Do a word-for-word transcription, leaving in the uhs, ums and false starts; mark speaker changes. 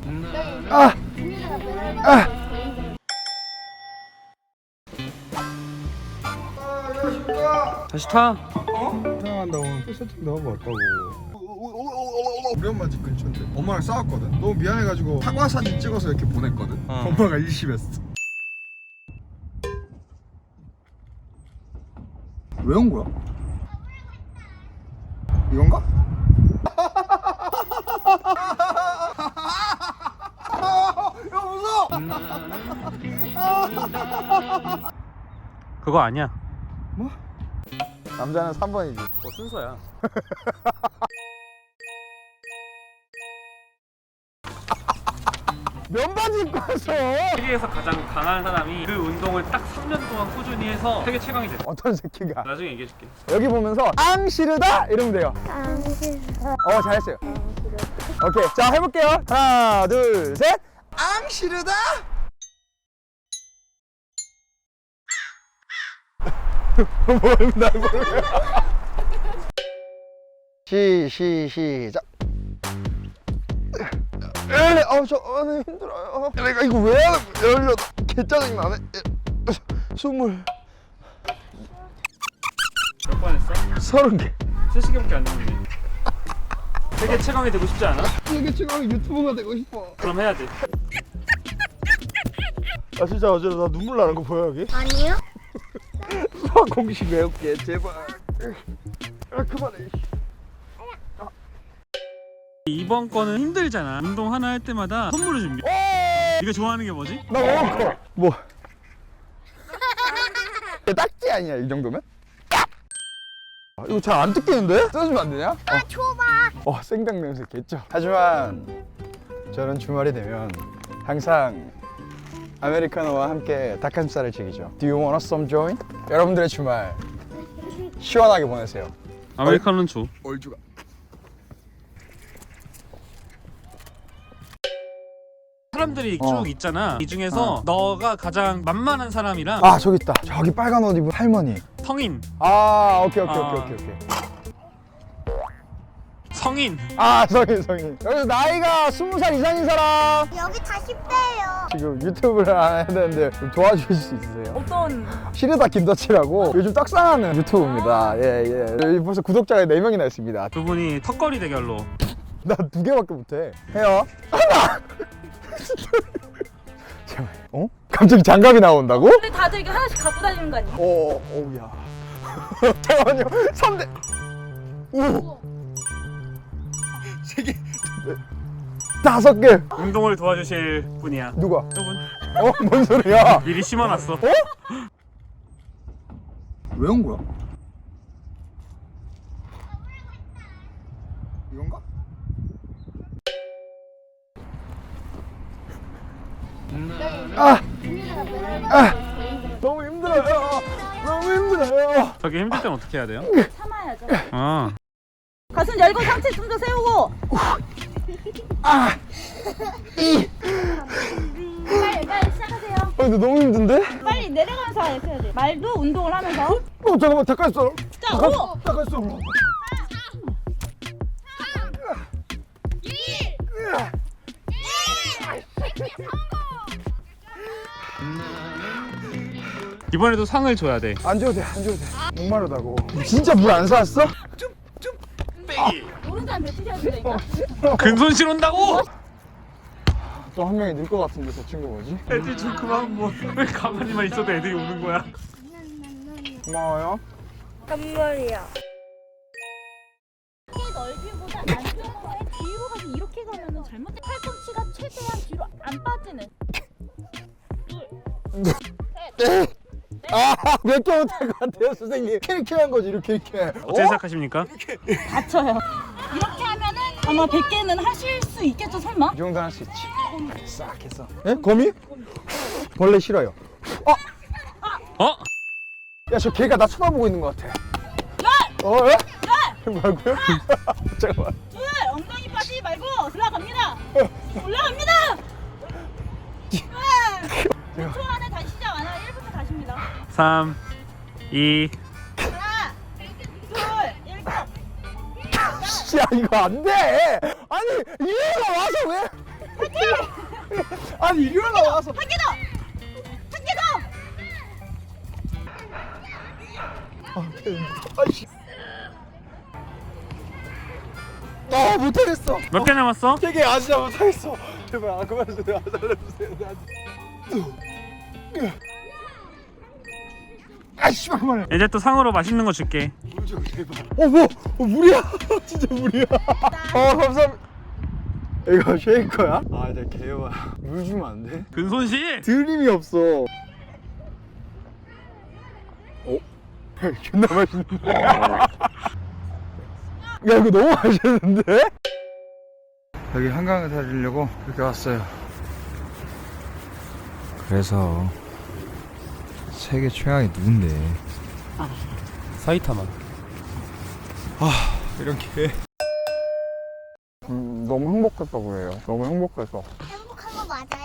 Speaker 1: 아! 아!
Speaker 2: 다시 타.
Speaker 1: 어? 사랑한다고 세팅도 하고 왔다고. 우리 엄마 집 근처인데 엄마랑 싸웠거든. 너무 미안해가지고 사과 사진 찍어서 이렇게 보냈거든.
Speaker 2: 어.
Speaker 1: 엄마가 일심했어. 왜 온 거야? 이건가? 야 무서워!
Speaker 2: 그거 아니야.
Speaker 1: 뭐? 남자는 삼 번이지.
Speaker 2: 어, 순서야.
Speaker 1: 면바지 입고 왔어.
Speaker 2: 세계에서 가장 강한 사람이 그 운동을 딱 삼 년 동안 꾸준히 해서 세계 최강이 됐어.
Speaker 1: 어떤 새끼가?
Speaker 2: 나중에 얘기해줄게.
Speaker 1: 여기 보면서 앙시르다 이러면 돼요. 어 잘했어요. 오케이 자 해볼게요. 하나 둘 셋. 앙시르다. 모른다고. 시, 시, 시작. 에이, 아, 저, 아, 네, 힘들어요. 내가 이거 왜 열려? 개 짜증나네. 스물.
Speaker 2: 몇 번 했어?
Speaker 1: 서른 개.
Speaker 2: 세 시간밖에 안 됐는데. 세계 최강이 되고 싶지 않아?
Speaker 1: 이게 지금 유튜브가 되고 싶어.
Speaker 2: 그럼 해야 돼.
Speaker 1: 아, 진짜 어제 나 눈물 나는 거 보여, 여기?
Speaker 3: 아니요?
Speaker 1: 수학 공식 외울게, 제발. 아, 그만해.
Speaker 2: 이번 거는 힘들잖아. 운동 하나 할 때마다 선물을 준비.
Speaker 1: 오!
Speaker 2: 네가 좋아하는 게 뭐지?
Speaker 1: 나 먹을 거. 뭐? 딱지 아니야, 이 정도면? 아, 이거 잘 안 뜯기는데? 뜯어주면 안 되냐?
Speaker 3: 아, 줘봐.
Speaker 1: 어, 생닭 냄새 겠죠? 하지만 저는 주말이 되면 항상 아메리카노와 함께 닭가슴살을 즐기죠. Do you want some joint? 여러분들의 주말 시원하게 보내세요.
Speaker 2: 아메리카노는 줘.
Speaker 1: 얼주가.
Speaker 2: 사람들이
Speaker 1: 어.
Speaker 2: 쭉 있잖아. 이 중에서
Speaker 1: 어.
Speaker 2: 너가 가장 만만한 사람이랑
Speaker 1: 아, 저기 있다. 저기 빨간 옷 입은 할머니.
Speaker 2: 성인,
Speaker 1: 아, 오케이, 오케이,
Speaker 2: 아.
Speaker 1: 오케이, 오케이, 오케이.
Speaker 2: 성인.
Speaker 1: 아, 성인, 성인. 여기서 나이가 스무 살 이상인 사람.
Speaker 3: 여기 다 십 대예요.
Speaker 1: 지금 유튜브를 안 해야 되는데 좀 도와주실 수 있으세요?
Speaker 4: 어떤
Speaker 1: 시르다 김더치라고 요즘 떡상하는 유튜브입니다. 예, 예. 여기 벌써 구독자가 네 명이나 있습니다.
Speaker 2: 두 분이 턱걸이 대결로.
Speaker 1: 나 두 개밖에 못해. 해요. 하나! 제발. 어? 갑자기 장갑이 나온다고?
Speaker 4: 근데 다들 이게 하나씩 갖고 다니는 거 아니야?
Speaker 1: 어, 어우야. 잠깐만요. 삼 대. 오! 세 개. 네. 다섯 개.
Speaker 2: 운동을 도와주실 분이야.
Speaker 1: 누가?
Speaker 2: 저분
Speaker 1: 어? 뭔 소리야?
Speaker 2: 미리 심어놨어.
Speaker 1: 어? 왜 온 거야? 이건가? 아! 아! 너무 힘들어요. 너무 힘들어요.
Speaker 2: 저기 힘들 땐 어떻게 해야 돼요?
Speaker 4: 참아야죠.
Speaker 2: 아,
Speaker 4: 가슴 열고 상체 좀 더 세우고.
Speaker 1: 아! 이!
Speaker 4: 빨리 빨리 시작하세요.
Speaker 1: 아, 근데 너무 힘든데?
Speaker 4: 빨리 내려가면서 해야 돼. 말도 운동을 하면서.
Speaker 1: 어, 잠깐만, 잠깐 있어.
Speaker 4: 자, 오.
Speaker 1: 잠깐 있어.
Speaker 2: 이번에도 상을 줘야 돼.
Speaker 1: 안 줘도 돼, 안 줘도 돼. 목마르다고. 진짜 물 안 사왔어?
Speaker 4: 모른 사람 뱉으셔야 된다니까.
Speaker 2: 근손실 온다고?
Speaker 1: 또 한 명이 늘 것 같은데 저 친구 뭐지?
Speaker 2: 애들 좀 그만 뭐. 왜 가만히만 있어도 애들이 오는 거야?
Speaker 1: 고마워요.
Speaker 3: 선물이요.
Speaker 4: 이렇게 넓이보다 안쪽으로 뒤로 가서 이렇게 가면은 잘못된 팔꿈치가 최대한 뒤로 안 빠지는.
Speaker 1: 아, 몇 개 못할 것 같아요, 선생님. 이렇게 한 거지, 이렇게, 이렇게.
Speaker 2: 어떻게 생각하십니까?
Speaker 4: 다쳐요. 이렇게 하면은 아마 백 개는 하실 수 있겠죠, 설마?
Speaker 1: 이 정도는 할 수 있지. 싹 해서. 예? 거미? 벌레 싫어요. 어?
Speaker 2: 어?
Speaker 1: 야, 저 개가 나 쳐다보고 있는 것 같아. 어? 예? 뭐라고요? 잠깐만.
Speaker 4: 둘, 엉덩이 빠지지 말고 올라갑니다. 올라갑니다. 오 초 안에 다시 시작 안 하면 일부터 다시입니다.
Speaker 2: 삼, 이.
Speaker 4: 하나, 둘, 일,
Speaker 1: 야, 이거 안 돼! 아니, 이해가 와서 왜? 아니 이리 올라와서.
Speaker 4: 한 개 더! 한 개 더!
Speaker 1: 아, 아이씨. 아 못하겠어.
Speaker 2: 몇 개 남았어?
Speaker 1: 되게 아 진짜 못하겠어. 제발 아 그만주세요. 아, 살려주세요. 나 진짜. 아 씨발 그만해.
Speaker 2: 이제 또 상으로 맛있는 거 줄게.
Speaker 1: 물 줘, 제발. 어 뭐? 어 물이야. 진짜 물이야. 어 감사합니다. 이거 쉐이커야? 아 이제 개요야. 물 주면 안 돼?
Speaker 2: 근손실.
Speaker 1: 드림이 없어. 어? 존나 맛있는데? 야 이거 너무 맛있는데? 여기 한강을 다니려고 이렇게 왔어요. 그래서 세계 최강이 누군데?
Speaker 2: 사이타마.
Speaker 1: 아 이런 게 음, 너무 행복했다고 해요. 너무 행복해서.
Speaker 3: 행복한 거 맞아요?